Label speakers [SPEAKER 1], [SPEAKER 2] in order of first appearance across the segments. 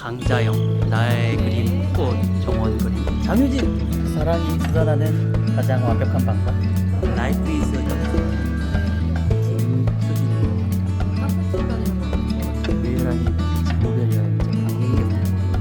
[SPEAKER 1] 강자영 나의 그림 꽃 정원 그림 장유진 사랑이 쏟아나는 가장 완벽한 방법 라이프 이즈 김수진 유일한 모델이야 강민경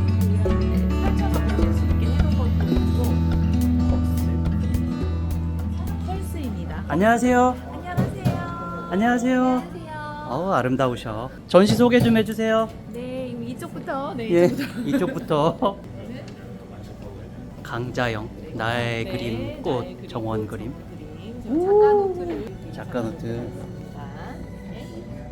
[SPEAKER 2] 펄스입니다.
[SPEAKER 1] 안녕하세요.
[SPEAKER 2] 안녕하세요.
[SPEAKER 1] 안녕하세요.
[SPEAKER 2] 안녕하세요.
[SPEAKER 1] 아름다우셔. 전시 소개 좀 해주세요.
[SPEAKER 2] 네, 이쪽부터. 네,
[SPEAKER 1] 예,
[SPEAKER 2] 이쪽부터.
[SPEAKER 1] 이쪽부터. 강자영 나의
[SPEAKER 2] 네,
[SPEAKER 1] 그림
[SPEAKER 2] 나의
[SPEAKER 1] 꽃
[SPEAKER 2] 그림,
[SPEAKER 1] 정원 그림
[SPEAKER 2] 지금 작가 노트를
[SPEAKER 1] 작가 노트.
[SPEAKER 2] 네.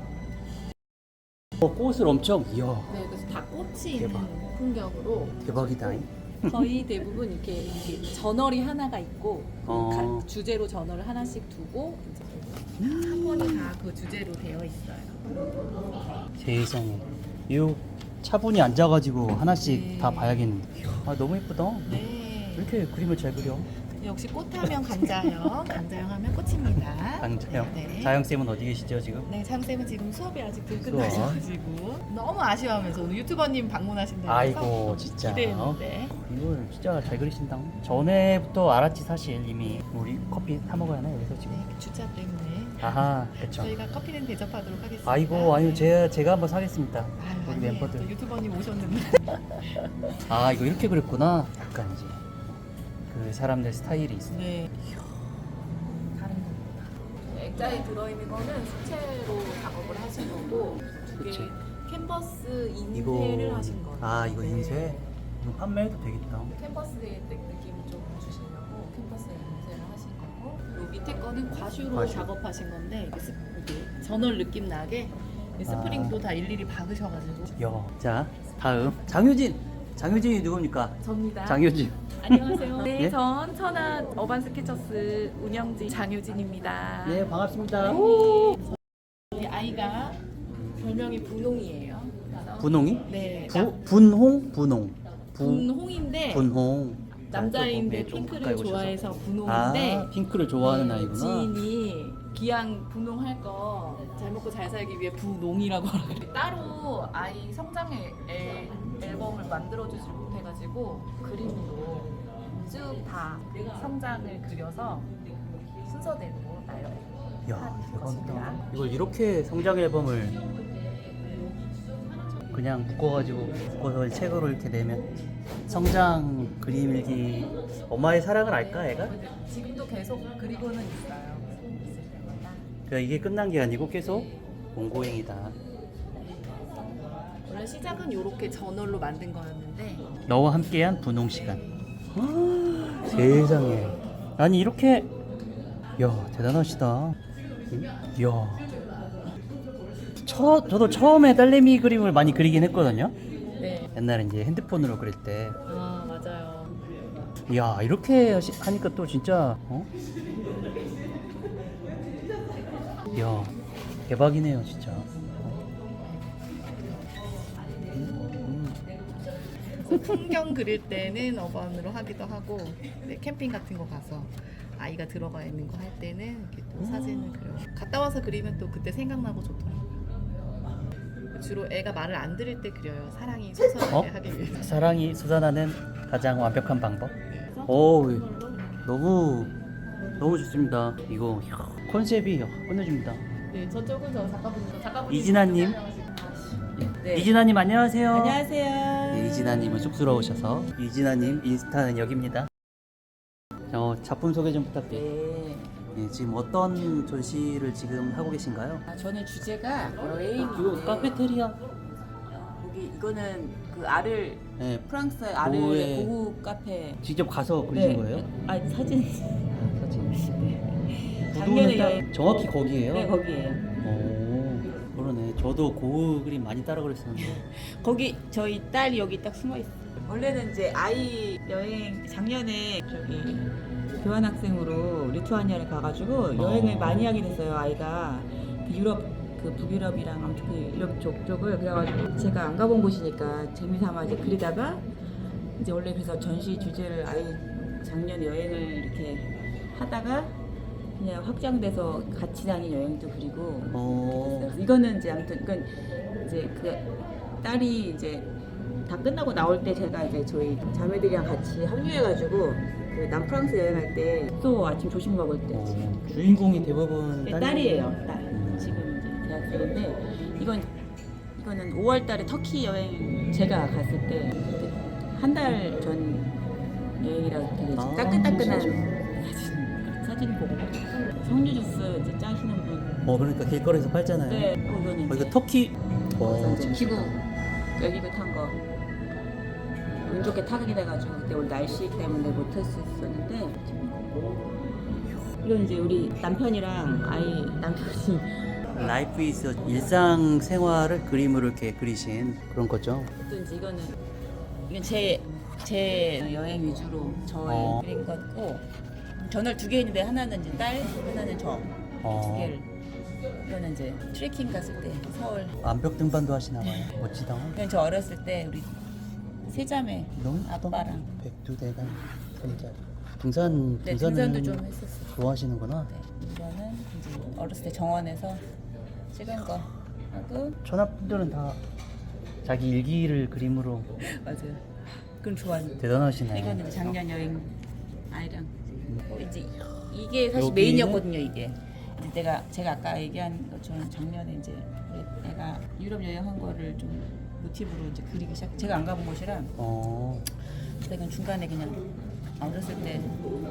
[SPEAKER 1] 꽃을 엄청 이야
[SPEAKER 2] 네, 그래서 다 꽃이
[SPEAKER 1] 대박.
[SPEAKER 2] 있는 풍경으로
[SPEAKER 1] 대박이다.
[SPEAKER 2] 거의 대부분 이렇게 저널이 하나가 있고
[SPEAKER 1] 어.
[SPEAKER 2] 주제로 저널을 하나씩 두고 이제 한 권이 다 그 주제로 되어 있어요.
[SPEAKER 1] 세상에 이 차분히 앉아가지고 하나씩
[SPEAKER 2] 네.
[SPEAKER 1] 다 봐야겠는데. 아 너무 예쁘다.
[SPEAKER 2] 네.
[SPEAKER 1] 왜 이렇게 그림을 잘 그려?
[SPEAKER 2] 역시 꽃하면 강자영, 강자영 하면 꽃입니다.
[SPEAKER 1] 강자영.
[SPEAKER 2] 네.
[SPEAKER 1] 자영 쌤은 어디 계시죠 지금?
[SPEAKER 2] 네, 차영쌤은 지금 수업이 아직 덜
[SPEAKER 1] 수업.
[SPEAKER 2] 끝나셔가지고 너무 아쉬워하면서 오늘 유튜버님 방문하신다고
[SPEAKER 1] 아이고
[SPEAKER 2] 해서
[SPEAKER 1] 진짜.
[SPEAKER 2] 기대했는데
[SPEAKER 1] 이걸 진짜 잘 그리신다. 전에부터 알았지 사실 이미. 우리 커피 사 먹어야 하나 여기서 지금?
[SPEAKER 2] 네, 주차 때문에
[SPEAKER 1] 아하 그쵸.
[SPEAKER 2] 저희가 커피는 대접하도록 하겠습니다.
[SPEAKER 1] 아이고 아니요 제가 한번 사겠습니다.
[SPEAKER 2] 아유,
[SPEAKER 1] 우리
[SPEAKER 2] 아니에요.
[SPEAKER 1] 멤버들.
[SPEAKER 2] 또 유튜버님 오셨는데
[SPEAKER 1] 아 이거 이렇게 그렸구나. 약간 이제 그 사람들 스타일이 있어.
[SPEAKER 2] 네. 다른 겁니다. 액자에 들어있는 거는 수채로 작업을 하신 거고 두개
[SPEAKER 1] 수채.
[SPEAKER 2] 캔버스 인쇄를 하신 거예요.
[SPEAKER 1] 아 이거
[SPEAKER 2] 네.
[SPEAKER 1] 인쇄? 이거 판매해도 되겠다.
[SPEAKER 2] 캔버스의 느낌을 좀 주시려고 캔버스에 인쇄를 하신 거고 요 밑에 거는 과슈로
[SPEAKER 1] 과슈.
[SPEAKER 2] 작업하신 건데 이게 저널 느낌 나게 스프링도 다 일일이 박으셔가지고
[SPEAKER 1] 야, 자 다음 장유진이 누굽니까?
[SPEAKER 2] 접니다.
[SPEAKER 1] 장유진.
[SPEAKER 2] 안녕하세요. 네,
[SPEAKER 1] 예?
[SPEAKER 2] 전 천안 어반 스케쳐스 운영진 장유진입니다.
[SPEAKER 1] 네 반갑습니다.
[SPEAKER 2] 우리 아이가 별명이 분홍이에요. 그래서
[SPEAKER 1] 분홍이?
[SPEAKER 2] 네,
[SPEAKER 1] 분홍?
[SPEAKER 2] 분홍인데
[SPEAKER 1] 분홍.
[SPEAKER 2] 남자인데
[SPEAKER 1] 좀 가까이
[SPEAKER 2] 핑크를
[SPEAKER 1] 오셔서.
[SPEAKER 2] 좋아해서 분홍인데
[SPEAKER 1] 아 핑크를 좋아하는
[SPEAKER 2] 네,
[SPEAKER 1] 아이구나.
[SPEAKER 2] 지인이 기왕 분홍할 거 잘 먹고 잘 살기 위해 분홍이라고 하더라고요. 따로 아이 성장 앨범을 만들어주지 못해가지고 그림으로 쭉 다 성장을 그려서 순서대로
[SPEAKER 1] 야
[SPEAKER 2] 것입니다.
[SPEAKER 1] 대박이다. 이걸 이렇게 성장 앨범을 그냥 묶어서 책으로 이렇게 내면 성장 그림 일기 엄마의 사랑을 알까 애가?
[SPEAKER 2] 지금도 계속 그리고는 있어요. 있을 때마다.
[SPEAKER 1] 그러니까 이게 끝난 게 아니고 계속 공고행이다.
[SPEAKER 2] 원래 시작은 이렇게 저널로 만든 거였는데
[SPEAKER 1] 너와 함께한 분홍 시간. 세상에. 아니 이렇게 야 대단하시다. 야. 저도 처음에 딸내미 그림을 많이 그리긴 했거든요.
[SPEAKER 2] 네.
[SPEAKER 1] 옛날에 이제 핸드폰으로 그릴 때.
[SPEAKER 2] 아 맞아요.
[SPEAKER 1] 야 이렇게 하니까 또 진짜 야 대박이네요 진짜.
[SPEAKER 2] 풍경 그릴 때는 어반으로 하기도 하고 네, 캠핑 같은 거 가서 아이가 들어가 있는 거 할 때는 이렇게 또 사진을 그려. 갔다 와서 그리면 또 그때 생각나고 좋더라고요. 주로 애가 말을 안 들을 때 그려요. 사랑이 솟아나게 하기 위해서.
[SPEAKER 1] 사랑이 솟아나는 가장 완벽한 방법.
[SPEAKER 2] 그래서
[SPEAKER 1] 오
[SPEAKER 2] 그걸로
[SPEAKER 1] 너무 좋습니다. 이거 컨셉이 끝내줍니다.
[SPEAKER 2] 네, 저쪽은 저 작가분이
[SPEAKER 1] 이진아님.
[SPEAKER 2] 네.
[SPEAKER 1] 이진아님 안녕하세요.
[SPEAKER 2] 안녕하세요.
[SPEAKER 1] 네, 이진아님은 쑥스러우셔서 이진아님 인스타는 여기입니다. 작품 소개 좀 부탁드려요.
[SPEAKER 2] 네.
[SPEAKER 1] 네, 지금 어떤 전시를 지금 하고 계신가요?
[SPEAKER 3] 저는 주제가 여행.
[SPEAKER 1] 이거 카페테리아.
[SPEAKER 3] 여기 이거는 그 아를
[SPEAKER 1] 네,
[SPEAKER 3] 프랑스 아를
[SPEAKER 1] 고흐의-
[SPEAKER 3] 고흐 카페.
[SPEAKER 1] 직접 가서 그리신 거예요?
[SPEAKER 3] 아니 사진.
[SPEAKER 1] 사진.
[SPEAKER 3] 작년에
[SPEAKER 1] 구도는 딱
[SPEAKER 3] 여행-
[SPEAKER 1] 정확히 거기에요.
[SPEAKER 3] 네 거기에요.
[SPEAKER 1] 오, 그러네. 저도 고흐 그림 많이 따라 그렸었는데.
[SPEAKER 3] 거기 저희 딸이 여기 딱 숨어 있어. 원래는 이제 아이 여행 작년에 저기 교환학생으로 리투아니아를 가가지고 여행을 많이 하게 됐어요. 아이가 그 유럽 그 북유럽이랑 아무튼 그 유럽 쪽을 그래가지고 제가 안 가본 곳이니까 재미삼아 이제 그리다가 이제 원래 그래서 전시 주제를 아이 작년 여행을 이렇게 하다가 그냥 확장돼서 같이 다닌 여행도 그리고
[SPEAKER 1] 어,
[SPEAKER 3] 이거는 이제 아무튼 이건 이제 그 딸이 이제 다 끝나고 나올 때 제가 이제 저희 자매들이랑 같이 합류해가지고 그 남프랑스 여행할 때 또 아침 조식 먹을 때
[SPEAKER 1] 주인공이 대부분
[SPEAKER 3] 네, 딸이에요. 딸. 지금 이제 대학생인데 이거는 5월달에 터키 여행 제가 갔을 때 한 달 전 여행이라 되게
[SPEAKER 1] 아,
[SPEAKER 3] 따끈따끈한
[SPEAKER 1] 진짜.
[SPEAKER 3] 사진 보고 석류 주스 이제 짜시는 분.
[SPEAKER 1] 그러니까 길거리에서 팔잖아요.
[SPEAKER 3] 네. 이거는
[SPEAKER 1] 이거
[SPEAKER 3] 이제
[SPEAKER 1] 터키.
[SPEAKER 3] 이제 기구 열기구 탄 거. 운 좋게 타격이 돼가지고 그때 우리 날씨 때문에 못했었는데 이건 이제 우리 남편이랑 남편이
[SPEAKER 1] 라이프 이즈 일상 생활을 그림으로 이렇게 그리신 그런 거죠.
[SPEAKER 3] 또 이제 이건 제 여행 위주로 저의 그린 거고 저널 2개 있는데 하나는 이제 딸 하나는 저 두 개를 이거는 이제 트레킹 갔을 때 서울
[SPEAKER 1] 암벽 등반도 하시나 봐요. 멋지다.
[SPEAKER 3] 이건 저 어렸을 때 우리 세 자매
[SPEAKER 1] 너무
[SPEAKER 3] 아빠랑
[SPEAKER 1] 백두대간 손자. 등산을
[SPEAKER 3] 등산도 좀 했었어요.
[SPEAKER 1] 좋아하시는구나.
[SPEAKER 3] 네, 이거는 이제 어렸을 때 정원에서 찍은 거 하고
[SPEAKER 1] 천하분들은 다 자기 일기를 그림으로
[SPEAKER 3] 맞아요. 그럼 좋아하는.
[SPEAKER 1] 대단하시네.
[SPEAKER 3] 이거는 이제 작년 여행 아이랑 이제 이게 사실
[SPEAKER 1] 여기는?
[SPEAKER 3] 메인이었거든요. 이게 이제 제가 아까 얘기한 것처럼 작년에 이제 우리 애가 유럽 여행한 거를 좀 모티브로 이제 그리기 시작. 제가 안 가본 곳이라 그래서 이건 중간에 그냥 어렸을 때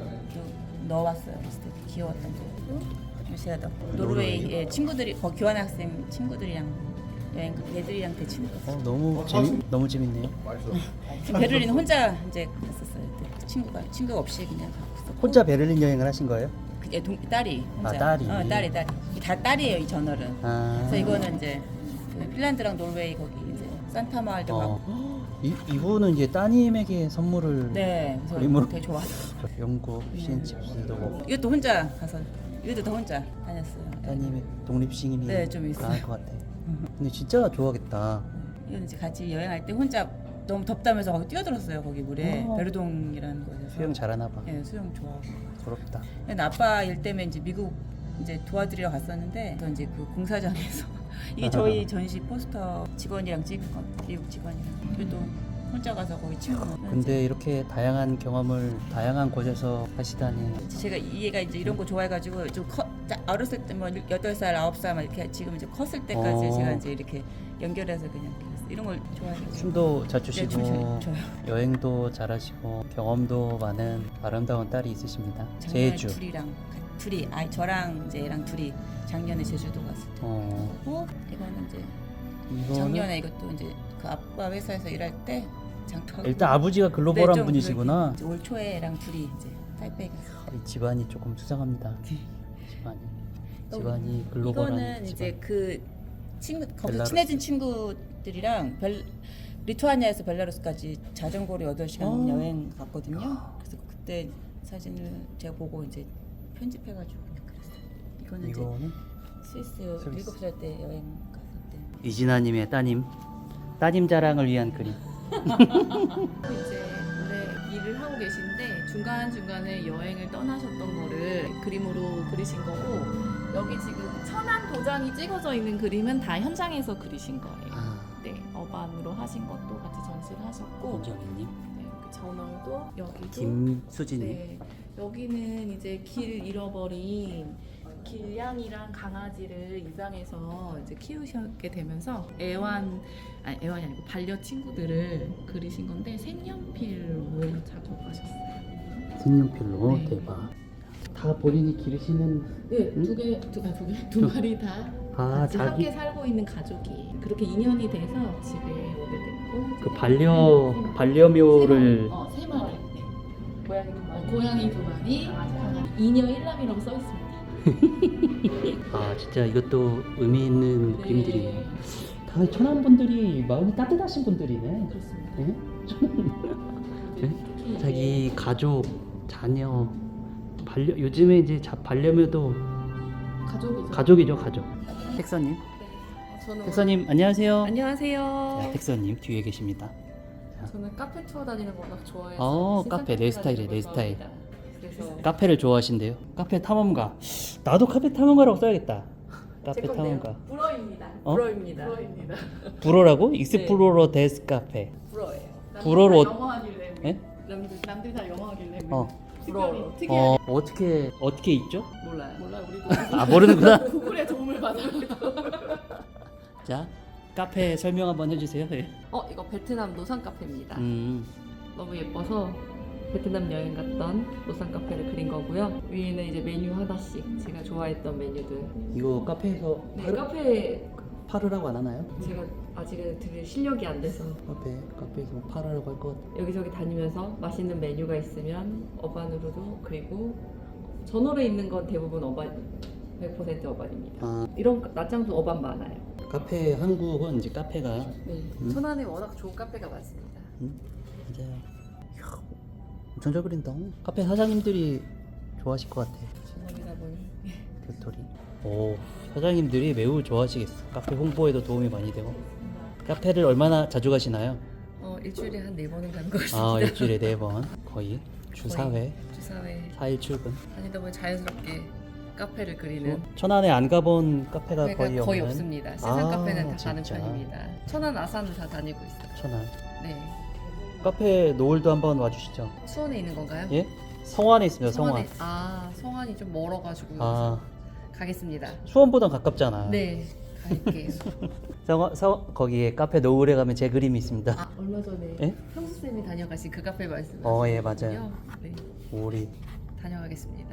[SPEAKER 3] 넣어왔어요. 어렸을 때 귀여웠던 거. 제가 노르웨이 친구들이 교환학생 친구들이랑 여행 애들이랑 대 친구.
[SPEAKER 1] 너무 재밌네요.
[SPEAKER 3] 베를린 혼자 이제 갔었어요. 그때 친구가 없이 그냥 갔었고.
[SPEAKER 1] 혼자 베를린 여행을 하신 거예요?
[SPEAKER 3] 딸이 혼자.
[SPEAKER 1] 딸이.
[SPEAKER 3] 딸이. 다 딸이에요 이 저널은.
[SPEAKER 1] 아.
[SPEAKER 3] 그래서 이거는 이제 그 핀란드랑 노르웨이 거기 이제 산타 마을도 가고.
[SPEAKER 1] 이분은 이제 따님에게 선물을
[SPEAKER 3] 네. 그래서
[SPEAKER 1] 그림으로?
[SPEAKER 3] 되게 좋아서.
[SPEAKER 1] 영국 피앤칩스도 먹고
[SPEAKER 3] 이것도 혼자 가서 이것도 다 혼자 다녔어요.
[SPEAKER 1] 따님의 독립심이
[SPEAKER 3] 네, 좀 있어요.
[SPEAKER 1] 강할 것 같아. 근데 진짜 좋아하겠다.
[SPEAKER 3] 이건 이제 같이 여행할 때 혼자 너무 덥다면서 거기 뛰어들었어요 거기 물에 베르동이라는 곳에서.
[SPEAKER 1] 수영 잘하나 봐.
[SPEAKER 3] 네, 수영 좋아하고.
[SPEAKER 1] 부럽다.
[SPEAKER 3] 근데 아빠 일 때문에 이제 미국 이제 도와드리러 갔었는데 저 이제 그 공사장에서 이게 저희 전시 포스터 직원이랑 찍은 거 미국 직원이랑 그래도 혼자 가서 거기 친구.
[SPEAKER 1] 근데 이렇게 다양한 경험을 다양한 곳에서 하시다니.
[SPEAKER 3] 제가 이 애가 이제 이런 거 좋아해가지고 좀 어렸을 때 뭐 8살, 9살 막 이렇게 지금 이제 컸을 때까지 제가 이제 이렇게 연결해서 그냥 이런 걸 좋아해가지고.
[SPEAKER 1] 춤도 잘
[SPEAKER 3] 네,
[SPEAKER 1] 추시고
[SPEAKER 3] 춤 좋아요.
[SPEAKER 1] 여행도 잘하시고 경험도 많은 아름다운 딸이 있으십니다.
[SPEAKER 3] 작년에
[SPEAKER 1] 제주.
[SPEAKER 3] 둘이 저랑 이제 얘랑 둘이 작년에 제주도 갔을 때. 그리고 이거는 이제
[SPEAKER 1] 이거는
[SPEAKER 3] 작년에 이것도 이제 그 아빠 회사에서 일할 때 잠깐.
[SPEAKER 1] 일단 아버지가 글로벌한
[SPEAKER 3] 좀
[SPEAKER 1] 분이시구나.
[SPEAKER 3] 이제 올 초에 애랑 둘이 이제 타이페이 갔어요.
[SPEAKER 1] 이 집안이 조금 수상합니다. 집안이 글로벌한
[SPEAKER 3] 이거는
[SPEAKER 1] 집안.
[SPEAKER 3] 이제 그 친구 거기서
[SPEAKER 1] 벨라루스.
[SPEAKER 3] 친해진 친구들이랑 리투아니아에서 벨라루스까지 자전거로 8시간 여행 갔거든요. 그래서 그때 사진을 제가 보고 이제 편집해가지고 그냥 그랬어요. 이거는
[SPEAKER 1] 이거는
[SPEAKER 3] 이제 스위스 7살 때 여행 갔을 때.
[SPEAKER 1] 이진아님의 따님 자랑을 위한 그림.
[SPEAKER 2] 이제 원래 일을 하고 계신데 중간중간에 여행을 떠나셨던 거를 그림으로 그리신 거고 여기 지금 천안 도장이 찍어져 있는 그림은 다 현장에서 그리신 거예요. 네, 어반으로 하신 것도 같이 전시를 하셨고
[SPEAKER 1] 김정희님,
[SPEAKER 2] 네, 그 저널도 여기도
[SPEAKER 1] 김수진님.
[SPEAKER 2] 네, 여기는 이제 길 잃어버린 길냥이랑 강아지를 입양해서 이제 키우시게 되면서 애완이 아니고 반려 친구들을 그리신 건데 색연필로 작업하셨어요.
[SPEAKER 1] 색연필로.
[SPEAKER 2] 네.
[SPEAKER 1] 대박. 다 본인이 기르시는.
[SPEAKER 2] 네,
[SPEAKER 1] 응?
[SPEAKER 2] 두 마리 다 같이
[SPEAKER 1] 자기
[SPEAKER 2] 함께 살고 있는 가족이 그렇게 인연이 돼서 집에 오게 됐고
[SPEAKER 1] 그 반려묘를.
[SPEAKER 2] 세 마리. 네. 고양이 두 마리, 강아지. 이녀 일남이라고 써 있습니다.
[SPEAKER 1] 진짜 이것도 의미 있는
[SPEAKER 2] 네.
[SPEAKER 1] 그림들이네. 다 천안 분들이 마음이 따뜻하신 분들이네.
[SPEAKER 2] 그렇습니다.
[SPEAKER 1] 네? 네? 자기 가족, 자녀, 요즘에 이제 반려묘도 가족이죠, 가족. 택서님,
[SPEAKER 2] 저는
[SPEAKER 1] 택서님 안녕하세요.
[SPEAKER 2] 안녕하세요.
[SPEAKER 1] 자, 택서님 뒤에 계십니다.
[SPEAKER 2] 저는 카페 투어 다니는 거 워낙 좋아해서
[SPEAKER 1] 카페 내 스타일이에요, 내 스타일.
[SPEAKER 2] 그래서
[SPEAKER 1] 카페를 좋아하신대요. 카페 탐험가. 나도 카페 탐험가라고 써야겠다. 카페 탐험가.
[SPEAKER 2] 불어입니다.
[SPEAKER 1] 어?
[SPEAKER 2] 불어입니다.
[SPEAKER 1] 불어라고? 익스플로러 데스 카페.
[SPEAKER 2] 불어예요.
[SPEAKER 1] 불어로
[SPEAKER 2] 영어 하길래.
[SPEAKER 1] 예?
[SPEAKER 2] 남들 다 영어 하길래.
[SPEAKER 1] 어.
[SPEAKER 2] 불어로 특이하게.
[SPEAKER 1] 어떻게 있죠?
[SPEAKER 2] 몰라요. 우리도
[SPEAKER 1] 아 모르는구나.
[SPEAKER 2] 구글의 도움을 받아.
[SPEAKER 1] 자 카페 설명 한번 해주세요. 예.
[SPEAKER 2] 이거 베트남 노상 카페입니다. 너무 예뻐서 베트남 여행 갔던 노상 카페를 그린 거고요. 위에는 이제 메뉴 하나씩 제가 좋아했던 메뉴들.
[SPEAKER 1] 이거 카페에서
[SPEAKER 2] 네, 카페
[SPEAKER 1] 팔으라고 안 하나요?
[SPEAKER 2] 제가 아직은 되게 실력이 안 돼서
[SPEAKER 1] 카페에서 팔으라고 할 것 같아.
[SPEAKER 2] 여기저기 다니면서 맛있는 메뉴가 있으면 어반으로도 그리고 전월에 있는 건 대부분 어반 100% 어반입니다.
[SPEAKER 1] 아
[SPEAKER 2] 이런 낮장도 어반 많아요.
[SPEAKER 1] 카페 한국은 이제 카페가
[SPEAKER 2] 네. 천안에 워낙 좋은 카페가 많습니다.
[SPEAKER 1] 맞아요. 이야, 엄청 잘 그린다. 카페 사장님들이 좋아하실 것 같아.
[SPEAKER 2] 중국이다 보니
[SPEAKER 1] 도토리. 오 사장님들이 매우 좋아하시겠어. 카페 홍보에도 도움이 많이 되고. 카페를 얼마나 자주 가시나요?
[SPEAKER 2] 일주일에 한 4번은 가는 것 같습니다.
[SPEAKER 1] 아 일주일에 4번 거의 주 4회
[SPEAKER 2] 주사회
[SPEAKER 1] 4일 출근.
[SPEAKER 2] 다니다 보면 자연스럽게 카페를 그리는
[SPEAKER 1] 천안에 안 가본 카페가 거의 없는.
[SPEAKER 2] 없습니다. 시상
[SPEAKER 1] 아,
[SPEAKER 2] 카페는 다 가는
[SPEAKER 1] 진짜?
[SPEAKER 2] 편입니다. 천안 아산은 다 다니고 있어요.
[SPEAKER 1] 천안.
[SPEAKER 2] 네.
[SPEAKER 1] 카페 노을도 한번 와주시죠.
[SPEAKER 2] 수원에 있는 건가요?
[SPEAKER 1] 예? 성안에 있습니다. 성안.
[SPEAKER 2] 성안이 좀 멀어가지고
[SPEAKER 1] 아
[SPEAKER 2] 가겠습니다.
[SPEAKER 1] 수원보단 가깝잖아.
[SPEAKER 2] 네, 갈게요.
[SPEAKER 1] 거기에 카페 노을에 가면 제 그림이 있습니다.
[SPEAKER 2] 얼마 전에
[SPEAKER 1] 예?
[SPEAKER 2] 형수 쌤이 다녀가신 그 카페 말씀.
[SPEAKER 1] 예, 맞아요.
[SPEAKER 2] 네,
[SPEAKER 1] 오리.
[SPEAKER 2] 다녀가겠습니다.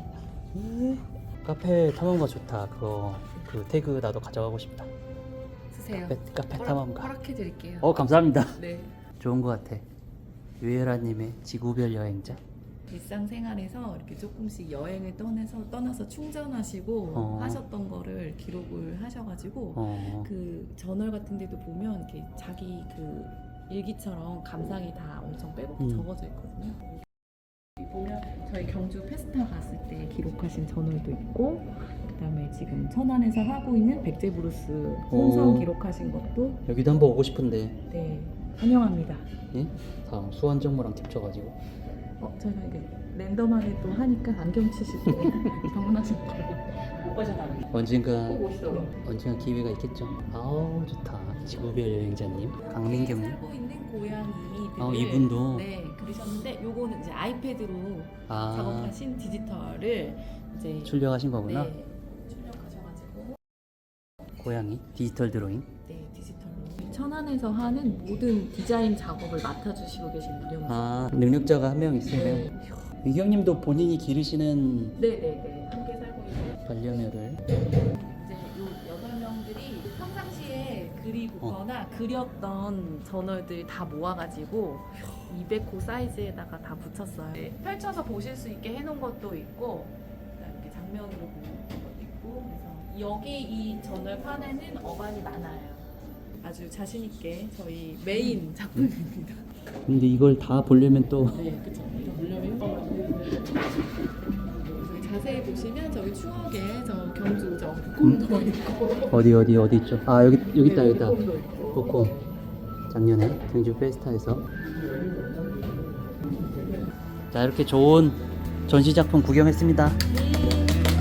[SPEAKER 1] 카페 탐험가 좋다. 그 태그 나도 가져가고 싶다.
[SPEAKER 2] 쓰세요.
[SPEAKER 1] 카페 탐험가.
[SPEAKER 2] 허락해 드릴게요.
[SPEAKER 1] 감사합니다.
[SPEAKER 2] 네.
[SPEAKER 1] 좋은 것 같아. 유혜라님의 지구별 여행자.
[SPEAKER 2] 일상생활에서 이렇게 조금씩 여행을 떠나서 충전하시고 하셨던 거를 기록을 하셔가지고 그 저널 같은 데도 보면 이렇게 자기 그 일기처럼 감상이 다 엄청 빼곡히 적어져 있거든요. 여기 보면 저희 경주 페스타 갔을 때 기록하신 저널도 있고 그다음에 지금 천안에서 하고 있는 백제브루스 혼성 기록하신 것도
[SPEAKER 1] 여기도 한번 오고 싶은데.
[SPEAKER 2] 네 환영합니다.
[SPEAKER 1] 예? 다음 수완 정모랑 겹쳐가지고.
[SPEAKER 2] 저희가 이게 랜덤하게 또 하니까 안경 치실 때 방문하실 거예요. 못 빠져나가요.
[SPEAKER 1] 언젠가
[SPEAKER 2] 꼭 오시도록.
[SPEAKER 1] 언젠가 기회가 있겠죠. 아우 좋다. 지구별 여행자님 강민경님.
[SPEAKER 2] 살고 있는 고양이들을
[SPEAKER 1] 이분도
[SPEAKER 2] 네 그리셨는데 요거는 이제 아이패드로
[SPEAKER 1] 아
[SPEAKER 2] 작업하신 디지털을 이제
[SPEAKER 1] 출력하신 거구나.
[SPEAKER 2] 네, 출력하셔가지고
[SPEAKER 1] 고양이 디지털 드로잉.
[SPEAKER 2] 네 디지털로 천안에서 하는 모든 디자인 작업을 맡아주시고 계신 분이요.
[SPEAKER 1] 능력자가 한 명 있으면.
[SPEAKER 2] 네.
[SPEAKER 1] 미경님도 본인이 기르시는
[SPEAKER 2] 네네네 함께 살고 있는
[SPEAKER 1] 반려묘를.
[SPEAKER 2] 이제 요 8명들이 평상시에 그리거나 그렸던 저널들 다 모아가지고 200호 사이즈에다가 다 붙였어요. 네, 펼쳐서 보실 수 있게 해놓은 것도 있고 이렇게 장면으로 보는 것도 있고 그래서 여기 이 저널 판에는 어반이 많아요. 아주 자신 있게 저희 메인 작품입니다.
[SPEAKER 1] 근데 이걸 다 보려면 또
[SPEAKER 2] 네, 그쵸. 이거 보려면 여기 자세히 보시면 저기 추억에 저 경주 저 북곰도 있고
[SPEAKER 1] 어디 있죠? 여기 있다.
[SPEAKER 2] 북곰도 있고
[SPEAKER 1] 복고 작년에 경주 페스타에서. 자 이렇게 좋은 전시 작품 구경했습니다.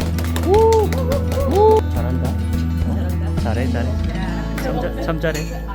[SPEAKER 1] 잘한다. 잘해. 참 잘해.